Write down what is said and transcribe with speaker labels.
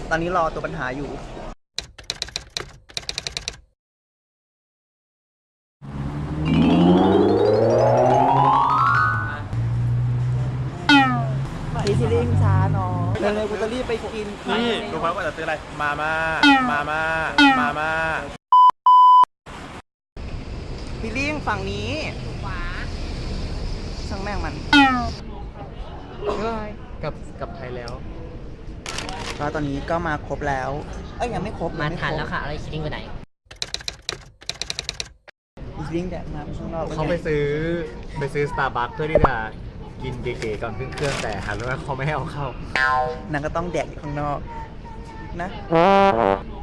Speaker 1: ตอนนี้รอตัวปัญหาอยู่พี่ชิลิงช้าเนาะเร็วๆกูจะรีบไปกิน
Speaker 2: นี่รู้ไหมว่าจะซื้ออะไรมาม่า
Speaker 1: พี่ลิงฝั่งนี้ขวาช่างแม่งมัน
Speaker 3: กับไทยแล้ว
Speaker 1: ก็ตอนนี้ก็มาครบแล้วยังไม่ครบ
Speaker 4: มาทันแล้วค่ะอะไรชิลิงไปไหน
Speaker 1: พี่ชิลิงแดดมาข้างนอก
Speaker 3: เขาไปซื้อ Starbucks เพื่อที่จะกินเก๋ๆก่อนขึ้นเครื่องแต่หันว่าเขาไม่ให้เอาเข้าน
Speaker 1: างก็ต้องแดดอยู่ข้างนอกนะ